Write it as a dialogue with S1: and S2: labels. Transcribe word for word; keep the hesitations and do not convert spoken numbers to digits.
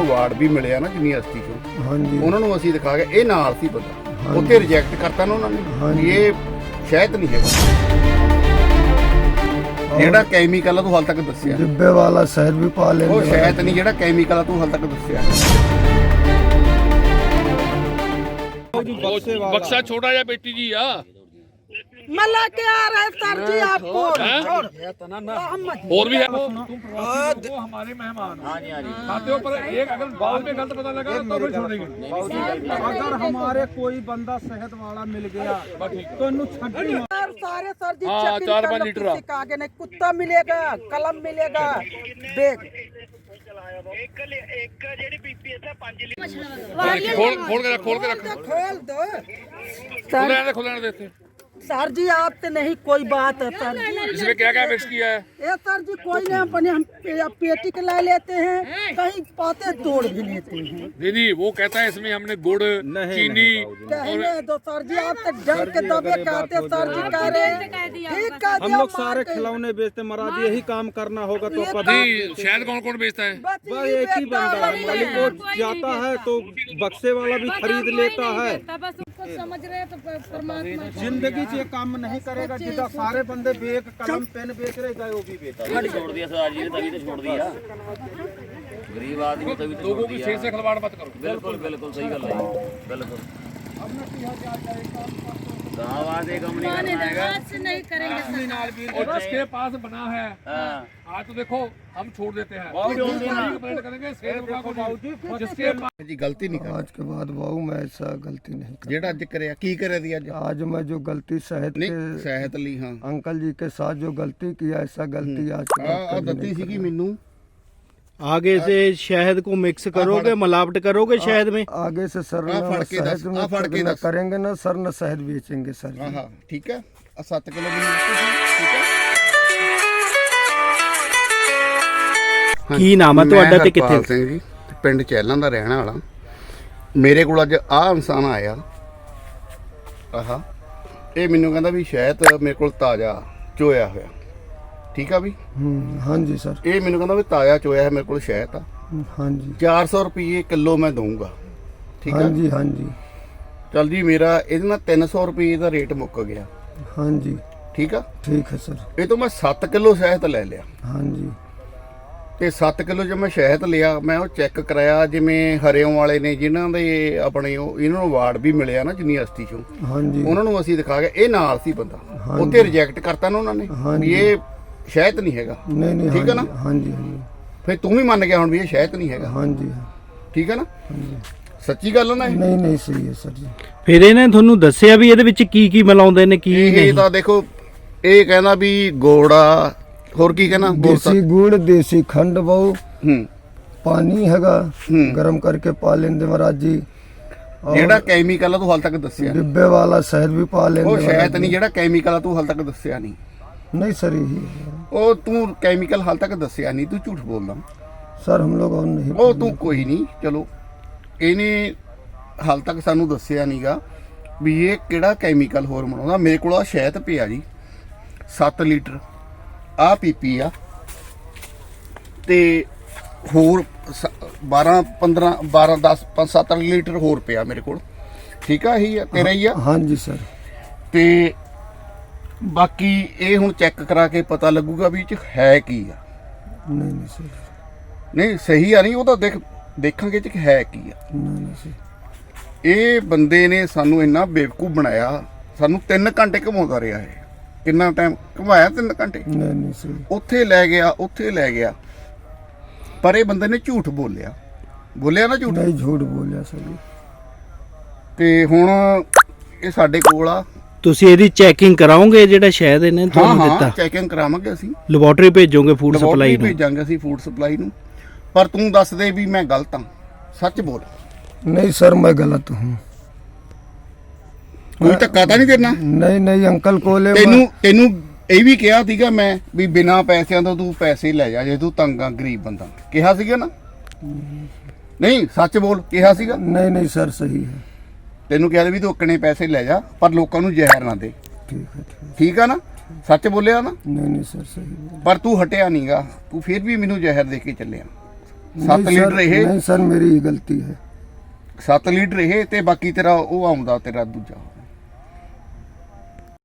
S1: Award ਵੀ ਮਿਲਿਆ ਨਾ university ਚੋਂ।
S2: ਹਾਂਜੀ
S1: ਉਹਨਾਂ ਨੂੰ ਅਸੀਂ ਦਿਖਾ ਕੇ ਇਹ ਨਾਲ ਸੀ ਬੰਦਾ, ਉੱਥੇ ਰਿਜੈਕਟ ਕਰਤਾ ਨਾ ਉਹਨਾਂ ਨੇ ਵੀ ਇਹ ਸ਼ਾਇਦ ਨਹੀਂ ਹੈਗਾ। ਜਿਹੜਾ ਕੈਮੀਕਲ ਆ ਤੂੰ ਹਾਲ ਤੱਕ ਦੱਸਿਆ
S2: ਡਿੱਬੇ ਵਾਲਾ ਸ਼ਹਿਦ ਵੀ ਪਾ ਲੈਂਦੇ
S1: ਉਹ ਸ਼ਾਇਦ ਨਹੀਂ, ਜਿਹੜਾ ਕੈਮੀਕਲ ਆ ਤੂੰ ਹਾਲ ਤੱਕ ਦੱਸਿਆ।
S3: बक्सा छोटा या बेटी जी या
S4: मला के आ रहे सर जी आपको
S3: और भी है वो हमारे मेहमान खाते हो पर एक अगर बाद में गलत पता लगा तो फिर छोड़ेंगे।
S5: अगर हमारे कोई बंदा सेहत वाला मिल गया तो इन्हू छड्डी
S4: सर सारे सर जी
S3: हाँ,
S4: चेकिंग
S3: चार
S4: कर
S3: पाँच
S4: लो,
S3: लीटर
S4: किसी का आगे नहीं, कुत्ता मिलेगा, कलम मिलेगा, बैग
S3: खोल खोल के रख खोल के रख
S4: खोल दो
S3: खुले रहने खुले रहने देते।
S4: सर जी आपसे नहीं कोई बात है सर जी।
S3: इसमें क्या क्या मिक्स किया है?
S4: ये सर जी कोई नहीं, अपने हम पे- पेटी के ला लेते हैं, कहीं पाते तोड़ भी लेते हैं।
S3: दीदी वो कहता है इसमें हमने गुड़ चीनी
S4: कहने दो सर जी, आप तो डर के दबे कहते सर जी कह रहे हैं ठीक कह
S5: हम
S4: दिया,
S5: लोग सारे खिलौने बेचते महाराज, यही काम करना होगा तो कभी
S3: जी शायद कौन कौन बेचता है?
S4: बस
S5: बस
S4: यही
S5: एक ही
S4: बेटा
S5: बंदा है,
S4: वही
S5: मालिक
S4: है।
S5: वो जाता है तो बक्से वाला भी खरीद लेता है।
S6: समझ रहे तो परमात्मा
S5: जिंदगी से काम नहीं करेगा, जितना सारे बंदे बैग कलम पेन बेच रहे गए वो भी बेच रहे।
S7: छोड़ दिया सरदार जी ने, तभी तो छोड़ दिया। गरीब आदमी तभी तो
S3: लोगों
S7: छोड़
S3: की
S7: दिया।
S3: शेर से खिलवाड़ मत करो।
S7: बिल्कुल बिल्कुल सही गल है, बिल्कुल। गाँव वाले कम नहीं करना है।
S6: हाथ से नहीं करेंगे सर।
S3: और जिसके पास बना है
S7: हाँ।
S3: आज तो देखो हम छोड़ देते हैं
S7: छोड़ देना।
S3: कंप्लेंट करेंगे शेर को जिसके पास
S1: ਜੀ ਗਲਤੀ ਨਹੀਂ ਕਰ
S2: आज के बाद बाबू मैं ऐसा गलती नहीं कर
S1: ਜਿਹੜਾ ਅੱਜ ਕਰਿਆ ਕੀ ਕਰਿਆ ਦੀ ਅੱਜ
S2: आज मैं जो गलती शहद
S1: ਨਹੀਂ
S2: के
S1: ਸਹਿਤ ਲਈ ਹਾਂ
S2: अंकल जी के साथ जो गलती किया, ऐसा गलती आज के
S1: ਆ
S2: बाद
S1: ਆ
S2: कभी
S1: ਦਿੱਤੀ
S2: नहीं
S1: ਸੀਗੀ ਮੈਨੂੰ
S5: आगे से शहद को मिक्स करोगे, मिलावट करोगे शहद में।
S2: करेंगे। आगे से सर
S1: आ,
S2: न
S1: फड़ के दस,
S2: शहद
S1: आ, फड़
S2: में
S1: के
S2: न
S1: दस।
S2: करेंगे ना सर, न शहद बेचेंगे सर जी।
S1: ਹਾਂ ਹਾਂ ਠੀਕ ਹੈ ਆ ਸੱਤ ਕਿਲੋ ਮੈਨੂੰ ਦਿੱਤੀ ਸੀ ਠੀਕ ਹੈ।
S5: ਕੀ ਨਾਮ ਹੈ
S1: ਮੈਂ
S5: ਤੁਹਾਡਾ ਤੇ
S1: ਹਰਪਾਲ
S5: ਕਿੱਥੇ?
S1: ਸਿੰਘ ਜੀ, ਪਿੰਡ ਚੈਲਾਂ ਦਾ ਰਹਿਣ ਵਾਲਾ। ਮੇਰੇ ਕੋਲ ਅੱਜ ਆਹ ਇਨਸਾਨ ਆਇਆ, ਆਹਾ ਇਹ ਮੈਨੂੰ ਕਹਿੰਦਾ ਵੀ ਸ਼ਾਇਦ ਮੇਰੇ ਕੋਲ ਤਾਜ਼ਾ ਚੋਇਆ ਹੋਇਆ, ਠੀਕ ਆ ਵੀ
S2: हम्म, हाँ जी सर।
S1: ਇਹ ਮੈਨੂੰ ਕਹਿੰਦਾ ਵੀ ਤਾਜ਼ਾ ਚੋਇਆ ਹੈ ਮੇਰੇ ਕੋਲ ਸ਼ਾਇਦ ਆ
S2: हाँ जी
S1: ਚਾਰ ਸੌ ਰੁਪਏ ਕਿਲੋ ਮੈਂ ਦਊਂਗਾ, ਠੀਕ
S2: हाँ
S1: ਆ।
S2: जी हाँ जी
S1: ਚੱਲ ਜੀ ਮੇਰਾ ਇਹਦੇ ਨਾਲ ਤਿੰਨ ਸੌ ਰੁਪਏ ਦਾ ਰੇਟ ਮੁੱਕ ਗਿਆ,
S2: हाँ जी
S1: ਠੀਕ ਆ।
S2: ठीक है सर।
S1: ਇਹ ਤੋਂ ਮੈਂ ਸੱਤ ਕਿਲੋ ਸ਼ਹਿਦ ਲੈ ਲਿਆ
S2: हाँ जी
S1: ਤੇ ਸੱਤ ਕਿਲੋ ਜਦ ਮੈਂ ਸ਼ਹਿਦ ਲਿਆ ਮੈਂ ਉਹ ਚੈੱਕ ਕਰਾਇਆ, ਜਿਵੇਂ ਹਰਿਓਂ ਵਾਲੇ ਨੇ ਜਿਨ੍ਹਾਂ ਦੇ ਆਪਣੇ ਉਹ ਇਹਨਾਂ ਨੂੰ ਅਵਾਰਡ ਵੀ ਮਿਲਿਆ ਨਾ ਯੂਨੀਵਰਸਿਟੀ ਚੋਂ।
S2: हाँ जी
S1: ਉਹਨਾਂ ਨੂੰ ਅਸੀਂ ਦਿਖਾ ਕੇ ਇਹ ਨਾਲ ਸੀ ਬੰਦਾ, ਉੱਥੇ ਰਿਜੈਕਟ ਕਰਤਾ ਨਾ ਉਹਨਾਂ ਨੇ ਵੀ ਇਹ ਸ਼ਾਇਦ ਨਹੀਂ ਹੈਗਾ,
S2: नहीं नहीं
S1: ठीक है ना?
S2: हाँ जी हाँ जी
S1: ਫਿਰ ਤੂੰ ਵੀ ਮੰਨ ਗਿਆ ਹੁਣ ਵੀ ਇਹ ਸ਼ਾਇਦ ਨਹੀਂ ਹੈਗਾ,
S2: हाँ जी हाँ
S1: ਠੀਕ ਹੈ ਨਾ? ਸੱਚੀ ਗੱਲ ਆ ਨਾ ਇਹ?
S2: नहीं नहीं सही है सर जी।
S5: ਫਿਰ ਇਹਨੇ ਤੁਹਾਨੂੰ ਦੱਸਿਆ ਵੀ ਇਹਦੇ ਵਿੱਚ ਕੀ ਕੀ ਮਿਲਾਉਂਦੇ ਨੇ ਕੀ
S1: ਇਹ
S5: ਨਹੀਂ?
S1: ਤਾਂ ਦੇਖੋ ਇਹ ਕਹਿੰਦਾ ਵੀ ਗੋੜਾ, ਹੋਰ ਕੀ ਕਹਿੰਦਾ ਗੁੜ ਤਾਂ-
S2: देसी गुड़, देसी खंड बहु,
S1: ਹੂੰ
S2: पानी हैगा
S1: हम्म।
S2: गरम करके पा लेंगे महाराज जी। और
S1: ਜਿਹੜਾ ਕੈਮੀਕਲ ਆ ਤੂੰ ਹਾਲ ਤੱਕ ਦੱਸਿਆ ਨਹੀਂ।
S2: डिब्बे वाला शहद भी पा लेंगे
S1: ਉਹ
S2: महाराज
S1: ਸ਼ਾਇਦ
S2: जी।
S1: ਨਹੀਂ, ਜਿਹੜਾ ਕੈਮੀਕਲ ਆ ਤੂੰ ਹਾਲ ਤੱਕ ਦੱਸਿਆ ਨਹੀਂ।
S2: नहीं सर यही है।
S1: ਉਹ ਤੂੰ ਕੈਮੀਕਲ ਹਾਲ ਤੱਕ ਦੱਸਿਆ ਨਹੀਂ, ਤੂੰ ਝੂਠ ਬੋਲਦਾ।
S2: सर हम लोग और नहीं
S1: ਉਹ ਤੂੰ ਕੋਈ ਨਹੀਂ, ਚਲੋ ਇਹਨੇ ਹਾਲ ਤੱਕ ਸਾਨੂੰ ਦੱਸਿਆ ਨਹੀਂਗਾ ਵੀ ਇਹ ਕਿਹੜਾ ਕੈਮੀਕਲ ਹੋਰ ਬਣਾਉਂਦਾ। ਮੇਰੇ ਕੋਲ ਆ ਸ਼ਹਿਦ ਪਿਆ ਜੀ ਸੱਤ ਲੀਟਰ, ਆ ਪੀਪੀ ਆ ਤੇ ਹੋਰ ਬਾਰਾਂ ਪੰਦਰਾਂ ਬਾਰਾਂ ਦਸ ਪੰਜ ਸੱਤ ਲੀਟਰ ਹੋਰ ਪਿਆ ਮੇਰੇ ਕੋਲ, ਠੀਕ ਆ। ਇਹੀ ਆ ਤੇਰਾ ਹੀ ਆ।
S2: हाँ जी सर।
S1: ਤੇ ਬਾਕੀ ਇਹ ਹੁਣ ਚੈੱਕ ਕਰਾ ਕੇ ਪਤਾ ਲੱਗੂਗਾ ਵੀ ਇਹ ਚ ਹੈ ਕੀ ਆ।
S2: नहीं नहीं सर।
S1: ਨਹੀਂ ਸਹੀ ਆ, ਨਹੀਂ ਉਹ ਤਾਂ ਦੇਖ ਦੇਖਾਂਗੇ ਇਹ ਚ ਹੈ ਕੀ ਆ।
S2: नहीं नहीं सर।
S1: ਇਹ ਬੰਦੇ ਨੇ ਸਾਨੂੰ ਇੰਨਾ ਬੇਵਕੂਫ ਬਣਾਇਆ, ਸਾਨੂੰ ਤਿੰਨ ਘੰਟੇ ਘੁਮਾਉਂਦਾ ਰਿਹਾ ਇਹ। ਕਿੰਨਾ ਟਾਈਮ ਘੁਮਾਇਆ? ਤਿੰਨ ਘੰਟੇ।
S2: नहीं नहीं सर।
S1: ਉੱਥੇ ਲੈ ਗਿਆ, ਉੱਥੇ ਲੈ ਗਿਆ, ਪਰ ਇਹ ਬੰਦੇ ਨੇ ਝੂਠ ਬੋਲਿਆ, ਬੋਲਿਆ ਨਾ ਝੂਠ।
S2: नहीं झूठ बोलिया सर जी।
S1: ਤੇ ਹੁਣ ਇਹ ਸਾਡੇ ਕੋਲ ਆ।
S5: ਤੁਸੀਂ ਇਹਦੀ ਚੈਕਿੰਗ ਕਰਾਓਗੇ ਜਿਹੜਾ ਸ਼ਹਿਦ ਇਹਨੇ
S1: ਹਾਂ
S5: ਤੁਹਾਨੂੰ
S1: ਹਾਂ
S5: ਦਿੱਤਾ?
S1: ਚੈਕਿੰਗ ਕਰਾਵਾਂਗੇ ਅਸੀਂ,
S5: ਲੈਬੋਰੇਟਰੀ ਭੇਜੋਗੇ ਫੂਡ
S1: ਲੈਬੋਰਟਰੀ
S5: ਸਪਲਾਈ ਨੂੰ?
S1: ਭੇਜਾਂਗੇ ਅਸੀਂ ਫੂਡ ਸਪਲਾਈ ਨੂੰ। ਪਰ ਤੂੰ ਦੱਸ ਦੇ ਵੀ ਮੈਂ ਗਲਤ ਹਾਂ, ਸੱਚ ਬੋਲ।
S2: नहीं सर मैं गलत हूँ।
S1: ਕੋਈ ਧੱਕਾ ਤਾਂ ਨਹੀਂ ਦੇਣਾ?
S2: नहीं नहीं अंकल कोले
S1: ਤੈਨੂੰ ਤੈਨੂੰ ਇਹ ਵੀ ਕਿਹਾ ਸੀਗਾ ਮੈਂ ਵੀ ਬਿਨਾਂ ਪੈਸਿਆਂ ਤੋਂ ਤੂੰ ਪੈਸੇ ਲੈ ਜਾ ਜੇ ਤੂੰ ਤੰਗ ਆ, ਗਰੀਬ ਬੰਦਾ, ਕਿਹਾ ਸੀਗਾ ਨਾ? ਨਹੀਂ ਸੱਚ ਬੋਲ, ਕਿਹਾ ਸੀਗਾ?
S2: नहीं नहीं सर सही है।
S1: ਤੈਨੂੰ ਕਿਹਾ ਵੀ ਤੂੰ ਅੱਕਣੇ ਪੈਸੇ ਲੈ ਜਾ ਪਰ ਲੋਕਾਂ ਨੂੰ ਜ਼ਹਿਰ ਨਾ ਦੇ,
S2: ठीक है ठीक है।
S1: ਠੀਕ ਆ ਨਾ? ਸੱਚ ਬੋਲਿਆ ਨਾ?
S2: नहीं नहीं सर सही है।
S1: ਪਰ ਤੂੰ ਹਟਿਆ ਨਹੀਂਗਾ, ਤੂੰ ਫਿਰ ਵੀ ਮੈਨੂੰ ਜ਼ਹਿਰ ਦੇ ਕੇ ਚੱਲਿਆ। ਸੱਤ
S2: नहीं
S1: ਲੀਟਰ
S2: सर,
S1: ਇਹ
S2: नहीं सर मेरी ही गलती है।
S1: ਸੱਤ ਲੀਟਰ ਇਹ ਤੇ ਬਾਕੀ ਤੇਰਾ ਉਹ ਆਉਂਦਾ ਤੇਰਾ ਦੂਜਾ